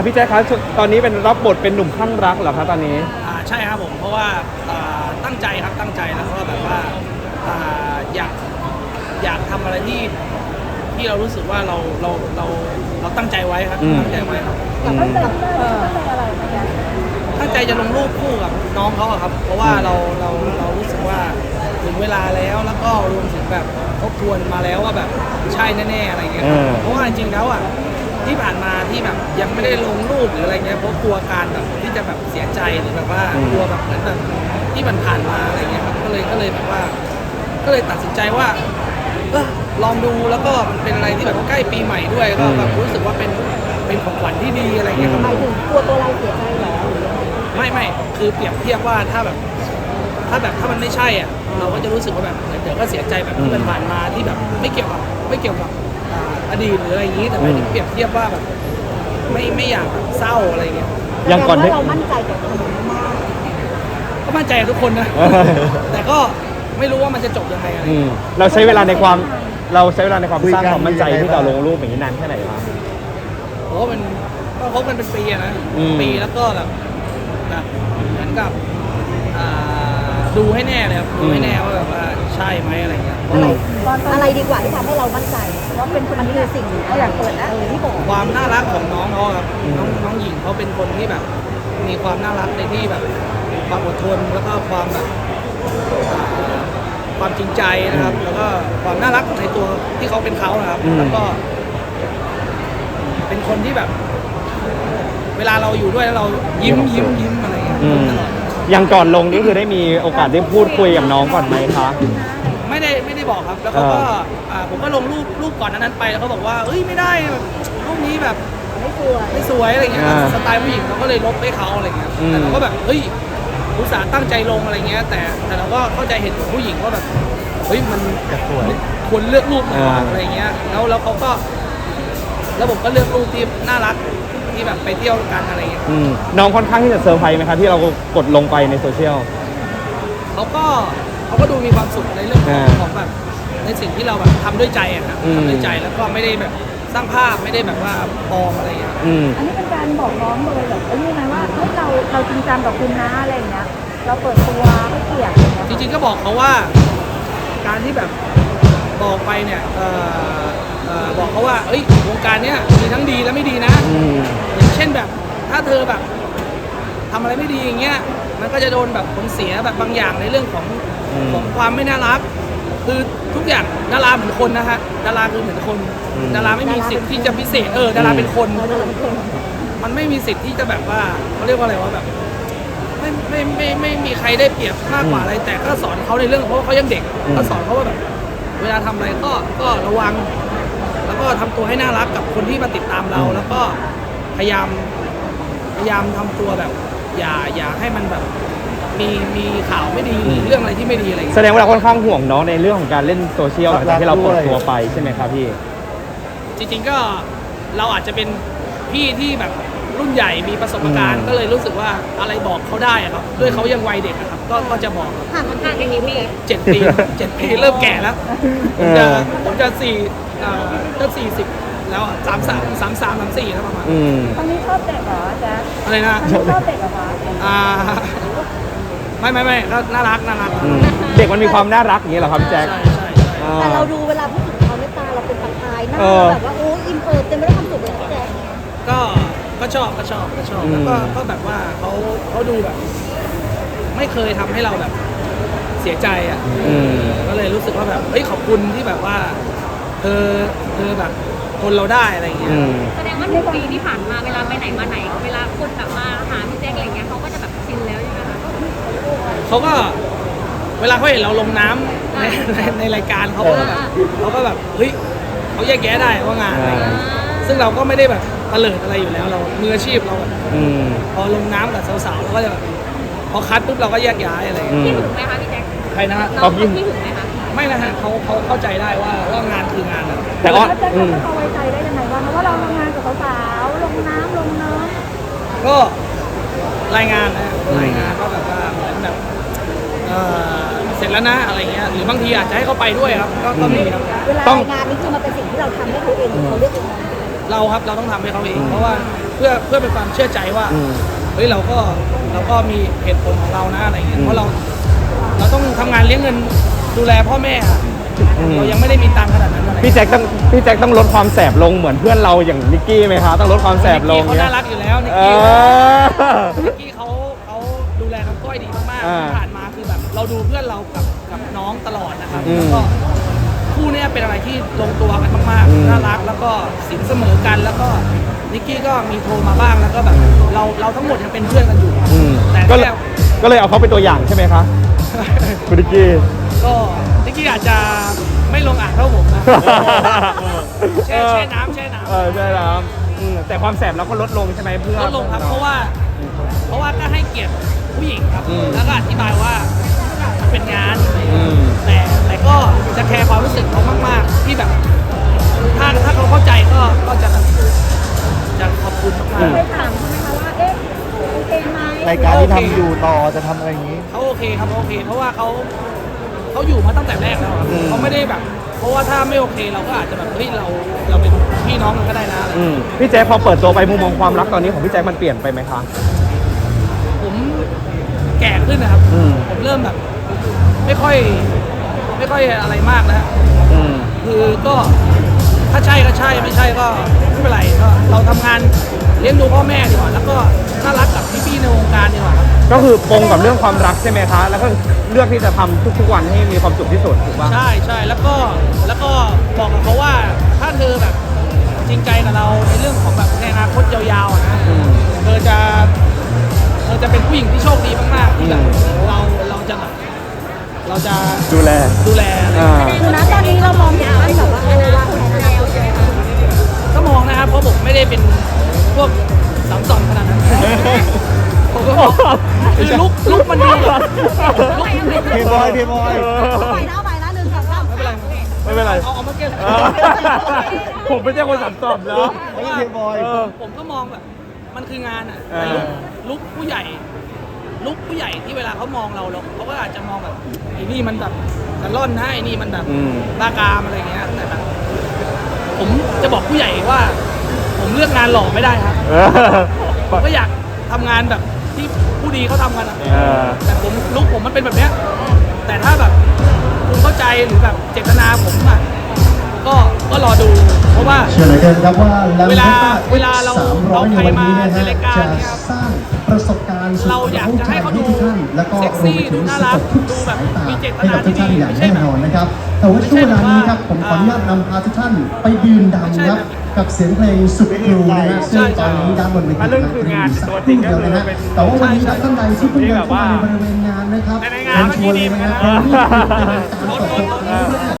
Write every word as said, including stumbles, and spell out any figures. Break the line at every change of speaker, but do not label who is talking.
พี่แจ๊คครับตอนนี้เป็นรับบทเป็นหนุ่มคลั่งรักเหรอครับตอนนี้
อ่าใช่ครับผมเพราะว่าตั้งใจครับตั้งใจแล้วก็แบบว่าอยากอยากทำอะไรที่ที่เรารู้สึกว่าเราเราเราเราตั้งใจไว้ครับตั้งใจไว้ครับ
ตั้งใจตั้งใจอะไร
ตั้งใจจะลงรูปคู่กับน้องเขาครับ เพราะว่าเราเราเรารู้สึกว่าถึงเวลาแล้วแล้วก็รวมถึงแบบทบทวนมาแล้วว่าแบบใช่แน่ๆอะไรเงี้ยเพราะว่าจริงๆแล้วอ่ะที่ผ่านมาที่แบบยังไม่ได้ลงรูปหรืออะไรเงี้ยเพราะกลัวการแบบที่จะแบบเสียใจหรือแบบว่ากลัวแบบเหมือนแบบที่มันผ่านมาอะไรเงี้ยครับก็เลยก็เลยแบบว่าก็เลยตัดสินใจว่าเออลองดูแล้วก็มันเป็นอะไรที่แบบใกล้ปีใหม่ด้วยก็แบบรู้สึกว่าเป็นเป็นของขวัญที่ดีอะไรเงี้ยครับ
หมายถึงกลัวตัวเราเสียใจเหรอ
ไม่ไม่คือเปรียบเทียบว่าถ้าแบบถ้าแบบถ้ามันไม่ใช่อ่ะเราก็จะรู้สึกว่าแบบเดี๋ยวก็เสียใจแบบที่มันผ่านมาที่แบบไม่เกี่ยวกับไม่เกี่ยวกับอดีตหรืออะไรอย่างนี้แต่ไม่ได้เปรียบเทียบว่าแบบไม่ไม่อยากแบบเศร้าอะไรเงี้ย
อย่างก่อนที่เรามั่นใจกับคนนี้มาก
ก็มั่นใจทุกคนนะแต่ก็ไม่รู้ว่ามันจะจบยังไงอะไร
เราใช้เวลาในความเราใช้เวลาในความสร้างความมั่นใจที่เราลงรูปอย่างนี้นานแค่ไหนครับ
โอ้มันก็คบกันเป็นปีนะปีแล้วก็แบบแบบเหมือนกับดูให้แน่เลยครับดูให้แน่ว่าแบบว่าใช่ไหมอะไรเงี้ย
อะไรอะไรดีกว่าที่ทำให้เรามั่นใจว่าเป็นคนนี้คือสิ่งอยากเปิดนะที่บอก
ความน่ารักของน้องเขาครับน้องน้องหญิงเขาเป็นคนที่แบบมีความน่ารักในที่แบบความอดทนแล้วก็ความแบบความจริงใจนะครับแล้วก็ความน่ารักในตัวที่เขาเป็นเขานะครับแล้วก็เป็นคนที่แบบเวลาเราอยู่ด้วยแล้วเรายิ้มยิ้มยิ้มอะไรเงี้ยตลอด
อย่างก่อนลงนี่คือได้มีโอกาสได้พูดคุยกับน้องก่อนไหมคะ
ไม่ได้ไม่ได้บอกครับแล้วเขาก็ผมก็ลงรูปรูปก่อนนั้นไปแล้วเขาบอกว่าเอ้ยไม่ได้แบบรูปนี้แบบ
ไม่สวย
ไม่สวยอะไรเงี้ยสไตล์ผู้หญิงเราก็เลยลบให้เขาอะไรเงี้ยแต่เราก็แบบเฮ้ยอุตส่าห์ตั้งใจลงอะไรเงี้ยแต่แต่เราก็เข้าใจเห็นของผู้หญิงว่าแบบเฮ้ยมันควรเลือกรูปอะไรเงี้ยแล้วแล้วเขาก็แล้วผมก็เลือกรูปที่น่ารักที่แบบไปเที่ยวกันอะไรเงี้ย
น้องค่อนข้างที่จะเซอร์ไพรส์ไหมครับที่เรากดลงไปในโซเชียล
เขาก็เขาก็ดูมีความสุขในเรื่องของแบบในสิ่งที่เราแบบทำด้วยใจอะครับทำด้วยใจแล้วก็ไม่ได้แบบสร้างภาพไม่ได้แบบว่าปลอมอะไรอย่างเงี้ย
อันนี้เป็นการบอกน้องเลยแบบไอ้นี่ไงว่าเฮ้ยเราเราจริงจังกับคุณนะอะไรอย่างเงี้ยเราเปิดตัวให้เกียรติ
จริงๆก็บอกเขาว่าการที่แบบบอกไปเนี่ยบอกเขาว่าเอ้ยวงการเนี้ยมีทั้งดีและไม่ดีนะอย่างเช่นแบบถ้าเธอแบบทำอะไรไม่ดีอย่างเงี้ยมันก็จะโดนแบบผลเสียแบบบางอย่างในเรื่องของของความไม่น่ารักคือทุกอย่างดาราเหมือนคนนะฮะดาราคือเหมือนคนดาราไม่มีสิทธิ์ที่จะพิเศษเออดาราเป็นคนมันไม่มีสิทธิ์ที่จะแบบว่าเขาเรียกว่าอะไรว่าแบบไม่ไม่ไม่ไม่มีใครได้เปรียบมากกว่าอะไรแต่ก็สอนเขาในเรื่องเพราะเขายังเด็กก็สอนเขาว่าแบบเวลาทำอะไรก็ก็ระวังแล้วก็ทำตัวให้น่ารักกับคนที่มาติดตามเราแล้วก็พยายามพยายามทำตัวแบบอย่าอย่าให้มันแบบมีมีข่าวไม่ดีเรื่องอะไรที่ไม่ดีอะไร
แสดงว่าเราค่อนข้างห่วงน้องในเรื่องของการเล่นโซเชียลหลังจากที่เราเปิดตัวไปใช่ไหมครับพี่
จริงๆก็เราอาจจะเป็นพี่ที่แบบรุ่นใหญ่มีประสบการณ์ก็เลยรู้สึกว่าอะไรบอกเขาได้ครับด้วยเขายังวัยเด็กครับก็ก็จะบอก
ห่างกันห่างกันกี่ปี
เจ็ดปีเจ็ดปีเริ่มแก่แล้วผมจะผมจะสี่เอ่อจะสี่สิบแล้วสามสามสามสามสามสี่แล้วประมาณ
ตอนนี้ชอบเด็กเหรอแจ๊ค
อะไรนะ
ชอบเด็กเหรอคะ
อ่าไม่ไม่ไม่ก็น่ารักน่ารัก
เด็กมันมีความน่ารักอย่างนี้เหรอครับพี่แจ๊ค
ใช่ใช่
แต่เราดูเวลาพูดถึงเขาในตาเราเป็นประกายหน้าแบบว่าโอ้อินเปิดเต็มไปด้วยความสุขเลยพี่แจ๊ค
ก็ก็ชอบก็ชอบก็ชอบแล้วก็ก็แบบว่าเขาเขาดูแบบไม่เคยทำให้เราแบบเสียใจอ่ะก็เลยรู้สึกว่าแบบเฮ้ยขอบคุณที่แบบว่าเธอเธอแบบทนเราได้อะไรอย่างเงี้ย
แสดงว่าหนึ่งปีที่ผ่านมาเวลาไปไหนมาไหนเวลาคนแบบมาหาพี่แจ๊คอะไรเงี้ยเขาก็จะแบบชินแล้วใช่ไหมคะ
เขาก็เวลาเขาเห็นเราลงน้ำในในในรายการเขาก็แบบเขาก็แบบเฮ้ยเขาแยกแยะได้ว่างานอะไรซึ่งเราก็ไม่ได้แบบเตลิดอะไรอยู่แล้วเรามืออาชีพเราพอลงน้ำกับสาวๆเราก็จะแบบพอคัดปุ๊บเราก็แยกย้ายอะไร
พี่ถึงไหมคะพี่แจ๊ค
ใครนะ
น้องพี่ถึงไหมคะ
ไม่นะฮะเขาเขาเข้าใจได้ว่าว่างานคืองาน
แต่ว่าจะเขาไว้ใจได้ยังไงว่าเพราะว่าเราทำงานกับสาวๆลงน้ำลงเนื้อ
ก็รายงานนะรายงานก็แบบว่าเหมือนแบบเสร็จแล้วนะอะไรเงี้ยหรือบางทีอาจจะให้เขาไปด้วยครับก็มีครับ
เวลารายงานนี่คือมันเป็นสิ่งที่เราทำให้เขาเองเขาเลือกเอง
เราครับเราต้องทำให้เขาเองเพราะว่าเพื่อเพื่อเป็นความเชื่อใจว่า
อืม
เฮ้ยเราก็เราก็มีเหตุผลของเรานะอะไรเงี้ย
อืม
เพราะเราเราต้องทำงานเลี้ยงเงินดูแลพ่อแม่อะ
อืม
เรายังไม่ได้มีตังค์ขนาดนั้นอะไร
พี่แจ็คต้องพี่แจ็คต้องลดความแสบลงเหมือนเพื่อนเราอย่างนิกกี้ไหมคะต้องลดความแสบลง
นิกกี้เขาน่ารักอยู่แล้วนิก
เอ
กี้
อ
นิกกี้เขาเขาดูแลน้องก้อยดีมาก
อ่า
ๆที่ผ่านมาคือแบบเราดูเพื่อนเรากับกับน้องตลอดนะครับ
อืม
แล้วก็คู่เนี้ยเป็นอะไรที่ลงตัวกันมาก
อืม
ๆน่ารักแล้วก็สินเสมอกันแล้วก็นิกกี้ก็มีโทรมาบ้างแล้วก็แบบเราเราทั้งหมดยังเป็นเพื่อนกันอยู่
อืม
แต่
ก็เลย
แค่
ก็เลยเอาเขาเป็นตัวอย่างใช่ไหมคะคุณนิกกี้
ก็นิกกี้อาจจะไม่ลงอ่างเท่าผมนะ แช่แช่น้ำแช่น้ำ
เออใช่แล้วอืมแต่ความแสบเราก็ลดลงใช่ไหมเพื่อ
ลดลงครับเพราะว่า เพราะว่าก็ให้เกียรติผู้หญิงครับ
อืม
แล้วก็อธิบายว่ามันเป็นงาน
อืม
แต่แต่ก็จะแคร์ความรู้สึกเขามากๆที่แบบถ้าถ้าเขาเข้าใจก็ก็จะแบบจะขอบคุณมาก
ไปถามเขาไหมคะว่า เอ๊ะโอเคไหม
รายการที่ทำอยู่ต่อจะทำอะไรอย่างนี้
ๆเขาโอเคครับเขาโอเค เพราะว่าเขาเขาอยู่มาตั้งแต่แรกแล้วครับ
อืม
เขาไม่ได้แบบ เพราะว่าถ้าไม่โอเคเราก็อาจจะแบบเฮ้ยเราเราเป็นพี่น้องกันก็ได้นะอะไร
อืมพี่แจ็คพอเปิดตัวไปมุมมองความรักตอนนี้ของพี่แจ็คมันเปลี่ยนไปไหมคะ
ผมแก่ขึ้นนะครับ
อืม
ผมเริ่มแบบ ไม่ค่อย ไม่ค่อยอะไรมากนะฮะ
อืม
คือก็ถ้าใช่ก็ใช่ไม่ใช่ก็ไม่เป็นไรก็เราทำงานเลี้ยงดูพ่อแม่ดีกว่า แล้วก็น่ารักกับพี่ๆในวงการดีกว่าครับ
ก็คือปรงกับเรื่องความรักใช่ไหมคะ แล้วก็เลือกที่จะทำทุกๆวันให้มีความสุขที่สุดถูกป่ะ
ใช่ใช่แล้วก็แล้วก็บอกกับเขาว่าถ้าเธอแบบจริงใจกับเราในเรื่องของแบบในอนาคตยาวๆอะนะ
อืม
เธอจะเธอจะเป็นผู้หญิงที่โชคดีมากๆที่แบบ
อืม
เราเราจะแบบเราจะ
ดูแล
ดูแลอะไร
อ่า
คือนะตอนนี้เรามองเห็นว่าแบบว่าเออวางแผนอนาคตยังไงคะ
ก็มองนะครับเพราะผมไม่ได้เป็นพวกสามสองขนาดนั้น ผมก็บอกคือลุกลุกมันดีอะลุก
เพย์บอยเพย์บอย
ไปนะไปนะหนึ่งสองสาม
ไม่เป็นไร
ไม่เป็นไร
เอาเอามาเก็บ
เออผมไม่ใช่คนสัมตอบเนาะ
เพราะว่า
เพย์บอย
เออ
ผมก็มองแบบมันคืองานอ่ะ
เออ
แต่ลุกลุกผู้ใหญ่ ลุกผู้ใหญ่ที่เวลาเขามองเราเราเขาก็อาจจะมองแบบไอ้นี่มันแบบกระล่อนนะไอ้นี่มันแบบ
อืม
บ้ากามอะไรเงี้ยแต่แบบผมจะบอกผู้ใหญ่ว่า ผมเลือกงานหล่อไม่ได้ครับ
เออ
ผมก็อยากทำงานแบบที่ผู้ดีเขาทำกันอะ
เออ
แต่ผมลุกผมมันเป็นแบบเนี้ยแต่ถ้าแบบคุณเข้าใจหรือแบบเจตนาผมอะก็ก็รอดู เพราะว่า
เชื่อเหลือเกินครับว่า
เวลา
Lambretta
เวลาเรา
สามร้อย
เอา
ใน
ใคร
วันนี้นะ
มาใน
ฮะ
รายการ
จะ
เนี่ยครับ
สร้างประสบการณ์สุด
เราอยากจะให้เขาดู
ทุกท่านแล้วก็
เซ็ก
รว
ซี่
มไปถึ
ดู
ง
น่า
ส
รัก
ดทุก
ดูแบบ
สายตา
มีเจต
ให้
นา
กับทุกท่าน
ที่ดี
อย่าง
ไม่ใช่
แน่
แบบ
นอนนะครับ แต่ว่าช่วงเวลานี้ครับผมขออนุญาตนำพาทุกท่านไปดื่มด่ำครับกับเสียงเพลงสุดกรูนะฮะซึ่งตอนนี้ด้านบนเวที
มันเรื่องคืองานตัวจริงก็คือเป็น
แต่ว่าวันนี้ครับท่านใดที่เพิ่งเดินเข้ามาในบริเวณงานนะครับ
ในงาน
เชิญชวนเลยนะครับเพราะนี่คือเป็นการตกลง